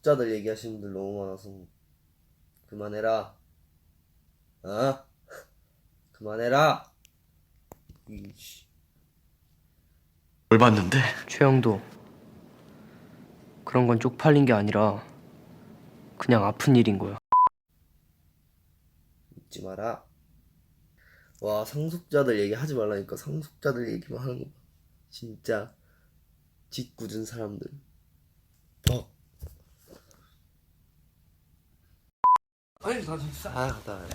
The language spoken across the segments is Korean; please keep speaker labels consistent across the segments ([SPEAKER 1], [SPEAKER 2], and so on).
[SPEAKER 1] 상속자들 얘기하시는 분들 너무 많아서 그만해라. 어? 그만해라. 이씨.
[SPEAKER 2] 뭘 봤는데?
[SPEAKER 3] 최영도, 그런 건 쪽팔린 게 아니라 그냥 아픈 일인 거야.
[SPEAKER 1] 잊지 마라. 와, 상속자들 얘기하지 말라니까. 상속자들 얘기만 하는 거 봐. 진짜 짓궂은 사람들.
[SPEAKER 2] 아니 나 진짜.
[SPEAKER 1] 아, 갔다 와요.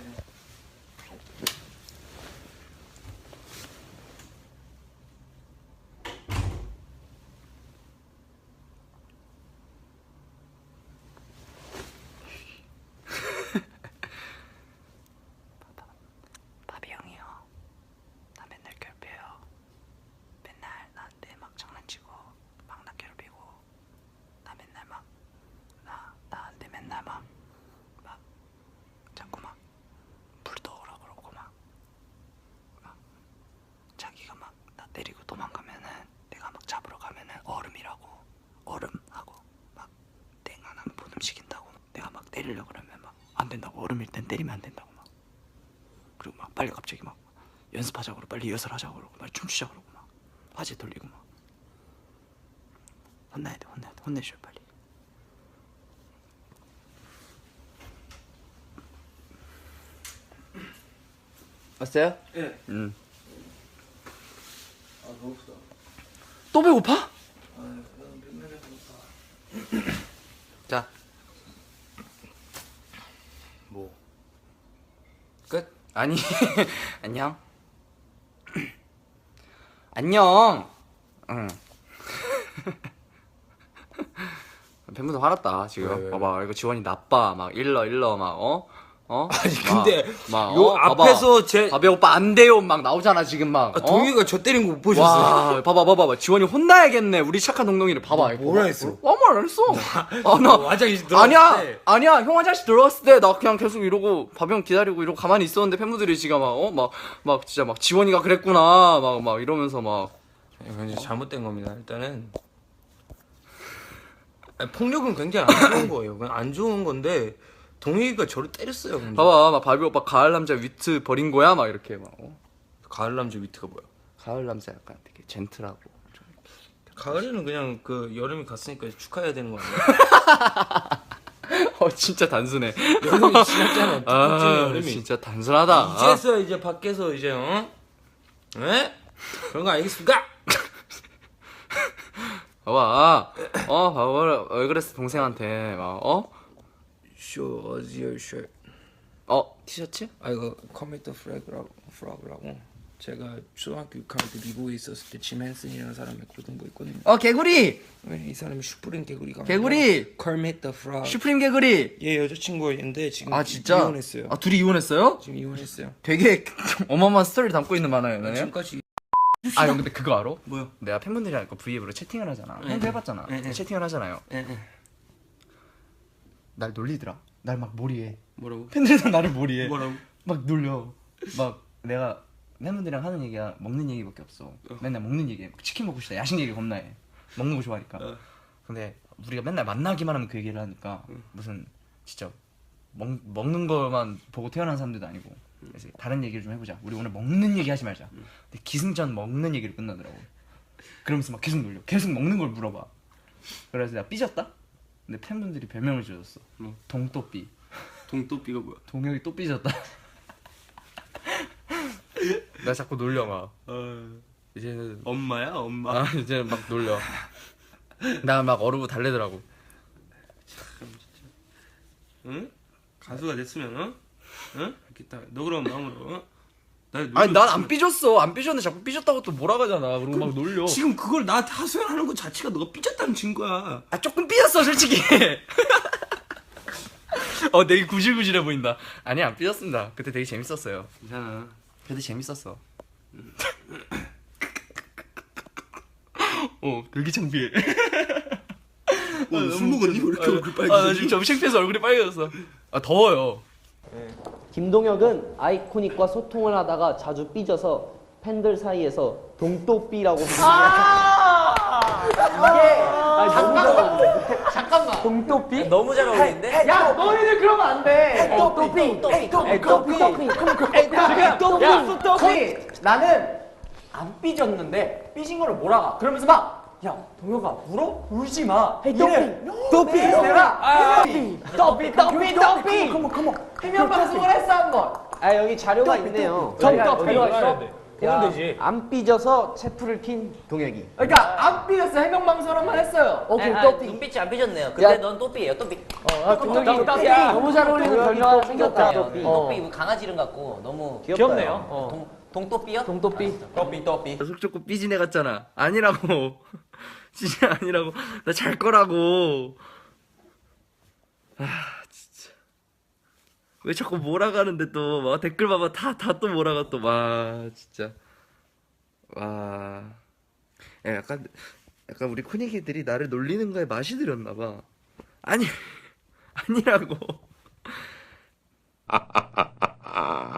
[SPEAKER 3] 바비 형이요. 나 맨날 괴롭혀요. 맨날 나한테 막 장난치고 막 나 괴롭히고 나 맨날 막 나한테 맨날 막 자꾸 막 불떠오라 그러고 막 자기가 막 나 때리고 도망가면은 내가 막 잡으러 가면은 얼음이라고 얼음하고 막 땡 하나 못 움직인다고 내가 막 때리려고 그러면 막 안 된다고 얼음일 땐 때리면 안 된다고 막 그리고 막 빨리 갑자기 막 연습하자고 그러고 빨리 리허설 하자고 그러고 막 춤추자고 그러고 막 화제 돌리고 막 혼나야 돼 혼내줘 빨리. 왔어요?
[SPEAKER 2] 예.
[SPEAKER 3] 응.
[SPEAKER 2] 아 배고프다.
[SPEAKER 3] 또 배고파?
[SPEAKER 2] 아 맨날 배고파.
[SPEAKER 3] 자. 뭐? 끝? 아니 안녕. 안녕. 응. 팬분들 화났다 지금.
[SPEAKER 2] 왜?
[SPEAKER 3] 봐봐 이거 지원이 나빠 막 일러 막
[SPEAKER 2] 아니 근데
[SPEAKER 3] 막
[SPEAKER 2] 요 앞에서 제
[SPEAKER 3] 바비 오빠 안 돼요 막 나오잖아 지금 막.
[SPEAKER 2] 동희가 저 때린 거 못 보셨어요?
[SPEAKER 3] 와 봐봐 지원이 혼나야겠네 우리 착한 동동이를 봐봐.
[SPEAKER 2] 뭐라 했어?
[SPEAKER 3] 아무 말 안 했어. 나
[SPEAKER 2] 화장실 들어갔을 때
[SPEAKER 3] 아니야 형 화장실 들어갔을 때 나 그냥 계속 이러고 바비 형 기다리고 이러고 가만히 있었는데 팬분들이 지금 막 진짜 막 지원이가 그랬구나 막 이러면서 막.
[SPEAKER 2] 이건 이제 잘못된 겁니다. 일단은 아니, 폭력은 굉장히 안 좋은 거예요. 그냥 안 좋은 건데 동희가 저를 때렸어요. 근데.
[SPEAKER 3] 봐봐 막 바비 오빠 가을 남자 위트 버린 거야 막 이렇게 막.
[SPEAKER 2] 가을 남자 위트가 뭐야?
[SPEAKER 3] 가을 남자 약간 되게 젠틀하고 좀.
[SPEAKER 2] 가을에는 그냥 그 여름이 갔으니까 축하해야 되는 거 아니야?
[SPEAKER 3] 진짜 단순해.
[SPEAKER 2] 여름이 지났잖아.
[SPEAKER 3] 아
[SPEAKER 2] 여름이.
[SPEAKER 3] 진짜 단순하다.
[SPEAKER 2] 이제서 이제 밖에서 이제 에? 그런 거 아니겠습니까?
[SPEAKER 3] 봐봐 봐봐 왜 그랬어 동생한테 막
[SPEAKER 2] Show us your shirt.
[SPEAKER 3] 티셔츠?
[SPEAKER 2] 아 이거 커밋 프라그라고 제가 초등학교 6학년 때 미국에 있었을 때 짐 헨슨이라는 사람의 고등부 있거든요.
[SPEAKER 3] 개구리
[SPEAKER 2] 이 사람이 슈프림 개구리가
[SPEAKER 3] 개구리!
[SPEAKER 2] 커밋 더 프라그.
[SPEAKER 3] 슈프림 개구리.
[SPEAKER 2] 얘 여자친구였는데 지금
[SPEAKER 3] 진짜?
[SPEAKER 2] 이혼했어요.
[SPEAKER 3] 둘이 이혼했어요?
[SPEAKER 2] 지금 이혼했어요.
[SPEAKER 3] 되게 어마어마한 스토리를 담고 있는 만화예요 네?
[SPEAKER 2] 지금까지
[SPEAKER 3] 형 근데 그거 알아?
[SPEAKER 2] 뭐요?
[SPEAKER 3] 내가 팬분들이랑 V앱으로 채팅을 하잖아. 형도 해봤잖아.
[SPEAKER 2] 네.
[SPEAKER 3] 채팅을 하잖아요.
[SPEAKER 2] 예.
[SPEAKER 3] 날 놀리더라. 날 막 몰이해.
[SPEAKER 2] 뭐라고?
[SPEAKER 3] 팬들도 나를 몰이해.
[SPEAKER 2] 뭐라고?
[SPEAKER 3] 막 놀려. 막 내가 팬분들이랑 하는 얘기가 먹는 얘기밖에 없어. 맨날 먹는 얘기해. 치킨 먹고 싶다. 야식 얘기 겁나 해. 먹는 거 좋아하니까. 근데 우리가 맨날 만나기만 하면 그 얘기를 하니까 무슨 진짜 먹는 거만 보고 태어난 사람들도 아니고 그래서 다른 얘기를 좀 해보자. 우리 오늘 먹는 얘기 하지 말자. 근데 기승전 먹는 얘기를 끝나더라고. 그러면서 막 계속 놀려. 계속 먹는 걸 물어봐. 그래서 내가 삐졌다? 근데 팬분들이 별명을 지어줬어. 동또삐.
[SPEAKER 2] 동또삐가 뭐야?
[SPEAKER 3] 동혁이 또 삐졌다. 나 자꾸 놀려 막. 이제는
[SPEAKER 2] 엄마야 엄마.
[SPEAKER 3] 이제 막 놀려. 나 막 어르고 달래더라고.
[SPEAKER 2] 응? 가수가 됐으면 응? 이렇게 너 그럼 마음으로
[SPEAKER 3] 아니 난 안 삐졌어. 안 삐졌는데 자꾸 삐졌다고 또 몰아가잖아. 그리고 막 놀려.
[SPEAKER 2] 지금 그걸 나한테 하소연하는 것 자체가 너가 삐졌다는 증거야.
[SPEAKER 3] 조금 삐졌어 솔직히. 되게 구질구질해 보인다. 아니 안 삐졌습니다. 그때 되게 재밌었어요.
[SPEAKER 2] 괜찮아.
[SPEAKER 3] 그때 재밌었어. 되게 창피해.
[SPEAKER 2] 술 먹었니? 왜 이렇게 얼굴
[SPEAKER 3] 나
[SPEAKER 2] 빨개졌니?
[SPEAKER 3] 지금 점심때에서 얼굴이 빨개졌어. 더워요.
[SPEAKER 4] 김동혁은 아이코닉과 소통을 하다가 자주 삐져서 팬들 사이에서 동또삐라고 부릅니다. 이게 잠깐만. 동토피?
[SPEAKER 5] 너무 잘 어울리는데?
[SPEAKER 4] 야, 너희들 그러면 안 돼. 토피. 토피. 나는 안 삐졌는데 삐진 거를 몰아가. 그러면서 막. 야, 동혁아, 울어? 울지 마. 이래. 토피. 내가 토피. 해명 방송을 했어 한 번. 아, 여기 자료가 있네요. 자료가 있어?
[SPEAKER 5] 보면 되지.
[SPEAKER 4] 안 삐져서 체프를 킨 동혁이.
[SPEAKER 2] 그러니까 안 삐졌어. 해명 방송만 했어요.
[SPEAKER 5] 오케이, 눈빛이 안 삐졌네요. 근데 넌 또삐예요, 또삐.
[SPEAKER 4] 동혁이 너무 잘 어울리는 별명 생겼다.
[SPEAKER 5] 또삐 강아지 이름 같고 너무
[SPEAKER 4] 귀엽네요.
[SPEAKER 5] 동또삐요?
[SPEAKER 4] 동토피.
[SPEAKER 5] 또삐.
[SPEAKER 3] 속 좁고 삐진 애 같잖아. 아니라고. 진짜 아니라고. 나 잘 거라고. 아 진짜. 왜 자꾸 몰아가는데 또 막 댓글 봐봐 다 또 몰아가 또 와 진짜. 와. 야, 약간 우리 코니기들이 나를 놀리는 거에 맛이 들였나 봐. 아니 아니라고.